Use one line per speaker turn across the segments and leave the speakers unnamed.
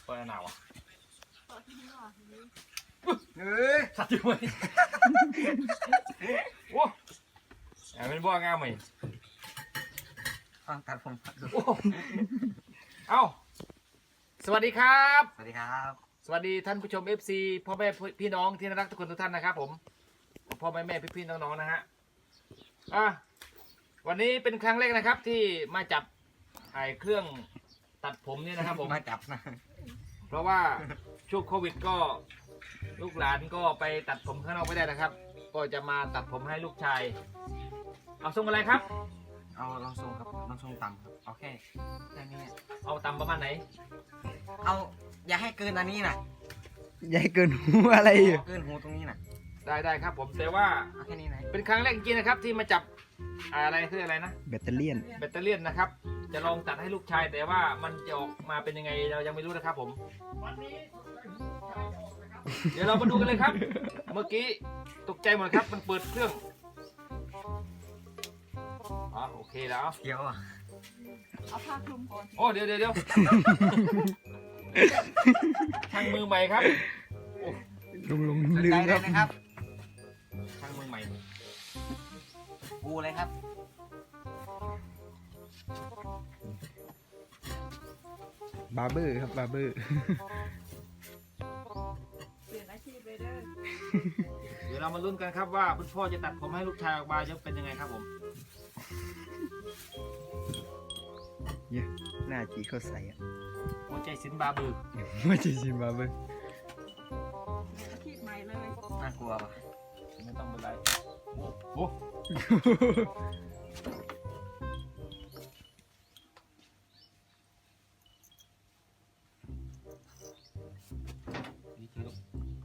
ตัวหนาวอ่ะ
เฮ้ย
สัตว์อยู่ไหมโอ้เป็นบ่องามไหม
ฟังตัดผม
โอ้เอ้าสวัสดีครับ
สวัสดีครับ
สวัสดีท่านผู้ชม FC พ่อแม่พี่น้องที่น่ารักทุกคนทุกท่านนะครับผมพ่อแม่พี่ๆน้องๆนะฮะวันนี้เป็นครั้งแรกนะครับที่มาจับถ่ายเครื่องตัดผมนี่นะครับผม
มาจับนะ
เพราะว่าช่วงโควิดก็ลูกหลานก็ไปตัดผมข้างนอกไม่ได้นะครับ ก็จะมาตัดผมให้ลูกชายเอาทรงอะไรครับ
เอาลองทรงครับลองทรงต่ำครับเอาแค่นี้
เอาตำประมาณไหน
เอาอย่าให้เกินอันนี้นะ
อย่าให้เกินหูอะไรอยู่
เกินหูตรงนี้นะ
ได้ครับผมแต่ว่า
เอาแค่นี้นะ
เป็นครั้งแรกจริงๆนะครับที่มาจับอะไรคืออะไรนะ
แบตเตอรี่ยน
แบตเตอรี่นะครับ จะลองตัดให้ลูกชายแต่ว่ามันจะออกมาเป็นยังไงเรายังไม่รู้นะครับผมเดี๋ยวเรามาดูกันเลยครับ เมื่อกี้ตกใจหมดครับมันเปิดเครื่องโอเคแล้ว
เดี๋ยวอ่ะ
เอาผ้าคลุมก่อน
โอ้เดี๋ยวช่างมือใหม่ครับ
ลุง
สน
ลื
ใจ
ม
เล
ครั
ย
บ
นะครับ
ช่างมือใหม่
กูเลยครับ
บาร์เบอร์ครับบาร์เบอร์
เปลี่ยนอาชีพเลยเด้อ
เดี๋ยวเรามาลุ้นกันครับว่าคุณพ่อจะตัดผมให้ลูกชายออกมาจะเป็นยังไงครับผม
เนี่ยหน้าจีเขาใส่อะ
หัวใจสินบาบือ
ไม่ใช่ซิมบาร์เบอร์
อาชีพใหม่เลย
น่ากลัวป่ะ
ไม่ต้องเป็นไรโอ้นี่คือลูก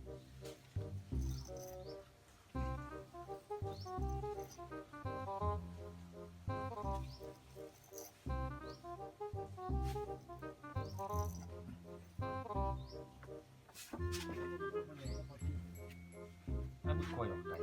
นั่นคอยออกไป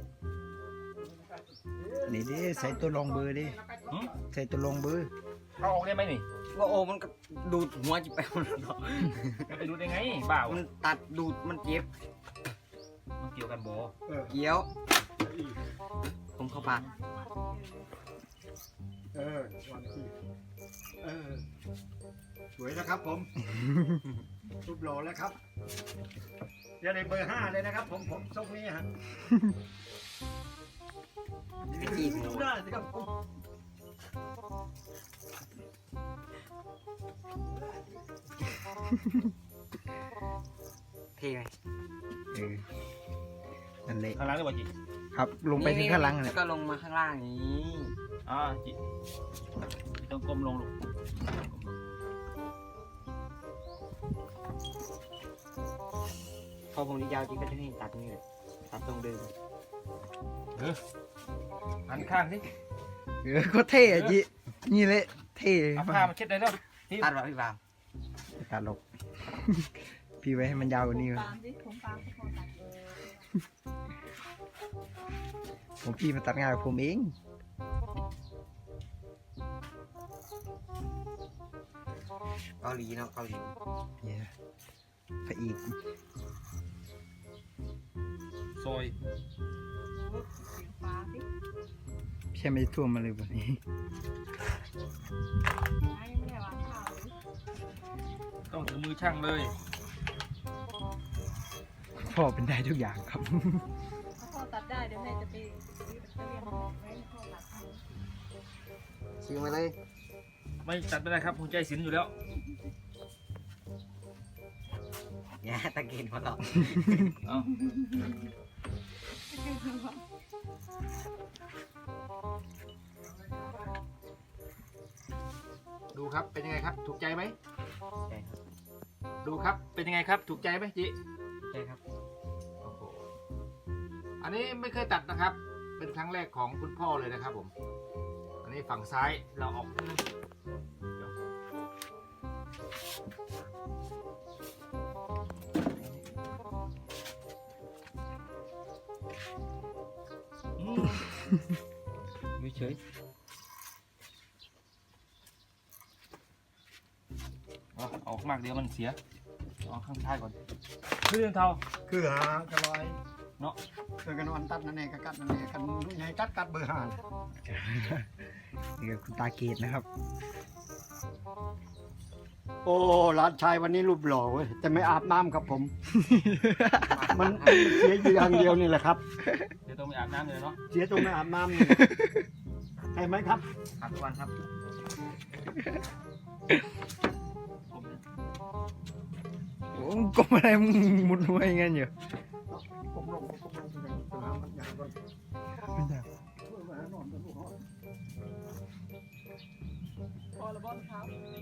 นี่ดิใส่ตัวรองเบอร์ดิใส่ตัวรองเบอร์
เอาออกได้ไหมนี่
ว่าโอ้มันก็ดูดหัวจิไปหมดแล้ว
มันไปดูได้ไงบ่าว
มันตัดดูดมันเจ็บ
มันเกี่ยวกันโบ
เกี้ยว ผมเข้าปาก
สวยนะครับผม รูปหล่อแล้วครับจะได้เบอร์ 5เลยนะครับผมทรงนี้ฮะ
ไปจีบหมู
ดูหน้าสิครับผม
เท่ไหม
เออนั่นแหละ
ข้างหล่างได้ป่ะจี
ครับลงไปถึงข้างหลัง
แล้
เล
วย ก็ลงมาข้างล่างอย่างนี้
จีต้องก้มลงลูก
พอผมยาวจริงก็จะให้ตัดนี่เลยตัดตรงเดิม
หันข้างสิ
เออก็เท่อะจีนี่แหละเท่
เอาผ้ามาเช็ดได้แล้ว
ตัดแบบพี่บาม
ตัดหลบ พี่ไว้ให้มันยาวกว่านี้
ตามสิผมตามเขาตัด
ผมพี่มาตัดงานกับผมเอง
เกาหลีเนาะเกาหลี
เนี่ยพระอีก
ซอย
สีฟ้าสิ
พี่ไม่ได้ท่วมมาเลยวันนี้
น้ายังไม่ได้วางข้าวเลย
ต้องถึงมือช่างเลย
พ่อเป็นได้ทุกอย่างครับ
ถ้าพ่อตัดได้เดี๋ยวแม่จะไปซื้อแบตเตอรี่มาไว้ให้พ่อตัดให้
ชิวมาเลย
ไม่ตัดไม่ได้ครับหัวใจสินอยู่แล้ว
อย่าตะกินมาหรอก
เอาดูครับเป็นยังไงครับ ถูกใจไหม
ใช่ครับ
ดูครับเป็นยังไงครับ ถูกใจไหมจิ
ใช่ครับ
โอ้โหอันนี้ไม่เคยตัดนะครับ เป็นครั้งแรกของคุณพ่อเลยนะครับผม อันนี้ฝั่งซ้ายเราออกไม่เฉยเอาออกมากเดี๋ยวมันเสียเอาข้างท้ายก่อนคือเรื่องเท่า
คือหากระลอย
เนาะ
เจอกันนอนตัดนั่นเองก็กัดนั่นเองกันใหญ่กัดเบอร์ห้า
นี่ก็คุณตาเกตนะครับ
โอ้หลานชายวันนี้รูปหล่อเว้ยแต่ไม่อาบน้ำครับผม มันเสียอยู่อย่างเดียวนี่แหละครับ
เดี๋ยวต้องไปอาบน้ำเลยเนาะ
เสียตรงไม่อาบน้ำนี่ใช่ไหมครับ
อาบทุกวันครับ
โอ้กลมอะไรมึงมุดหัวอย่างงั้นอยู่
ผมลงไปหามันอย่างก่อน
ไม่ได้
มาหานอนกับลูกเขา
พอละบอลเท้า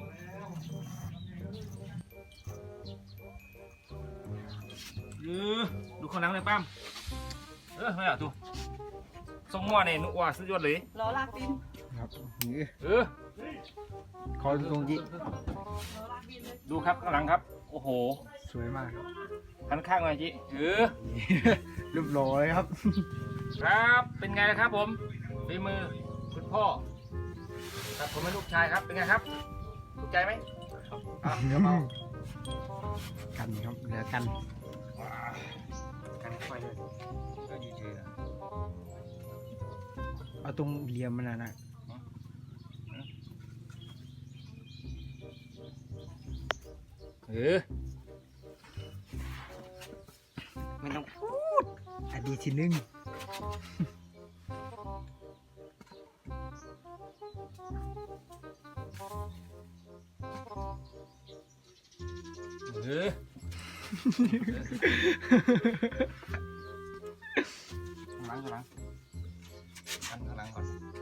ดูข้างหลังเลยป้ามไม่เอาดูทรงหม้อเนี่ยนุ่ว่าสุดยอดเลย
รอลากดิน
ครับนี่
ข
คอตรงจี
รอลากดินเลย
ดูครับข้างหลังครับ โอ้โห
สวยมากครับ
หันข้างหน่อยจิ
รูปหล่อเลยครับ
ครับ เป็นไงนะครับผมฝีมือคุณพ่อครับผมเป็นลูกชายครับ เป็นไงครับถูกใจไหมครับเดี๋ยวเมา
กันครับเหลือกัน
กันค่อยเลยก็ดีเจอ
เอาตรงเหลี่ยมมันนะ
ไม่ต้องพูด
อดีตที่หนึ่ง
ข้างหลังกันข้างหลังก่อน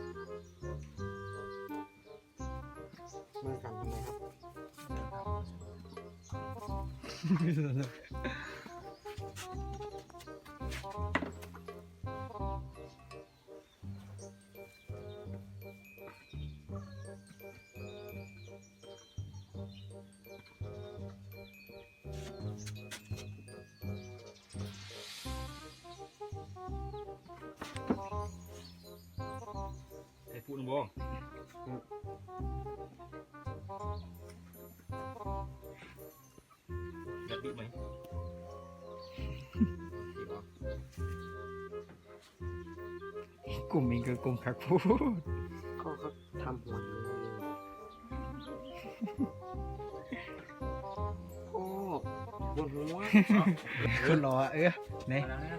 มือสั่นทำไมครับ
ไอ้พูดบ้องแบบนี้ไหม
กลุ่มเองก็กลุ่มคักพูด
เขาทำหัวอยู่โอ้บนหัว
คนรอไหน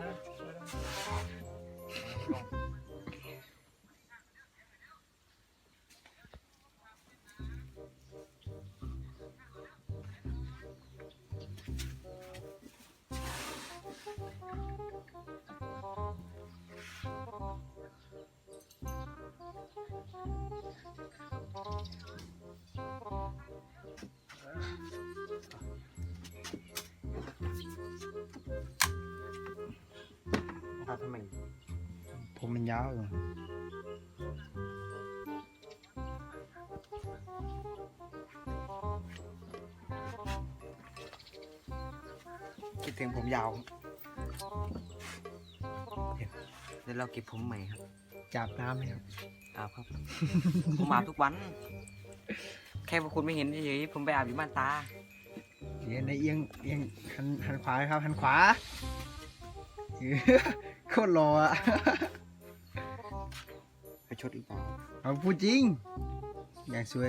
ตัดทำไม
ผมมันยาวอยู่คิดถึงผมยาว
เดี๋ยวเราเก็บผมใหม่ครับ
จับน้ำเลยครับ
อาบครับ ผมอาบทุกวัน แค่พวกคุณไม่เห็นเฉยๆผมไปอาบอยู่บ้านตา
เดี๋ยวในเอียงหันขวาครับหันขวาโคตรรออ่ะ
ไปชดอีกเปล่า
เอาพูดจริง อย่างสวย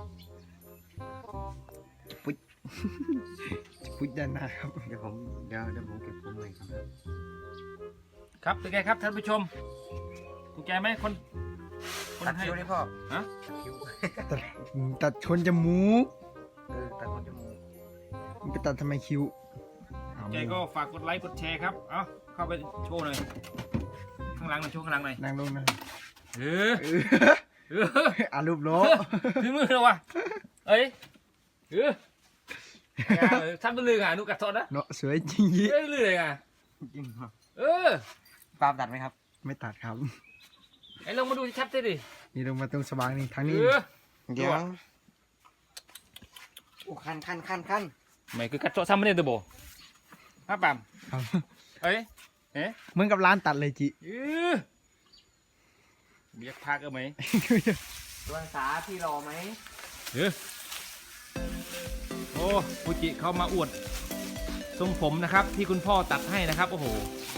ปุ๊ด ปุ๊ดด้านหน้าครับ
เดี๋ยวผมเก็บผมใหม่ครับ
ครับเป็นไงครับท่านผู้ชมถูกใจไหมคน
ตัด
ให้
คิ้วได้พ่อ
ฮะ
ตัดคิ้ว
ตัดชนจมูก
ตัดคนจมูก
มันไปตัดทำไมคิ้ว
ใจก็ฝากกดไลค์กดแชร์ครับ เอาเข้าไปโชว์หน่อยข้างหลังหน่อยโชว์ข้างหลังหน่อย
นั่งลงนะ
เออเออ
อารูปโล
ถึงมือแล้ววะเอ้ยเออท่านเป็นลือไงนุกัดทอดนะ
เนาะสวยจริงยี่
เอ้ยลือเลยไง
จริงครับ
เออ
ปาล์มตัดไหมครับ
ไม่ตัดครับ
ไอ้ลองมาดูชัดๆดิ
นี่ลงมาตรงสว่างนี่ทาง
เอ
นี้
อ
เดี๋ยวโอ้คัน
ไม่คือกัดทอดซ้ำไม่ได้ตัวโบฮะปั๊ม
ครับ
เอ้ยเอ๊ะ
เหมือนกับร้านตัดเลยจิ
เออเบียกพากเอาไหม
ตัวสาพี่รอไหม
เออโอ้ฟูจิเขามาอวดทรงผมนะครับที่คุณพ่อตัดให้นะครับโอ้โห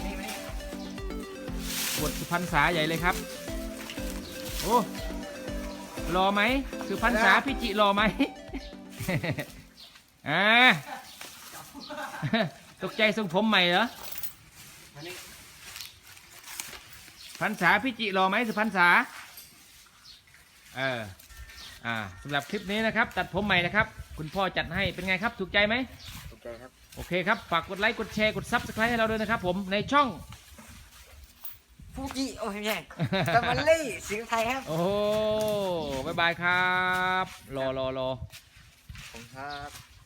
บทสุพรรณษาใหญ่เลยครับโอ้รอไหมสุพรรณษาพี่จิรอไหม อ่า ตกใจทรงผมใหม่เหรอพรรษาพี่จิรอไหมสุพรรณษาสำหรับคลิปนี้นะครับ ตัดผมใหม่นะครับ คุณพ่อจัดให้เป็นไงครับถูกใจไหม
ถูกใจครับ
โอเคครับ ฝากกดไลค์ กดแชร์ กด Subscribe ให้เราด้วยนะครับผม ในช่อง
ฟูจิโอ้ยไม่ใช่ตะวันลี่สิงห์ไทยครับ
โอ้โหบ๊ายบายครับ รอ
ผมครับ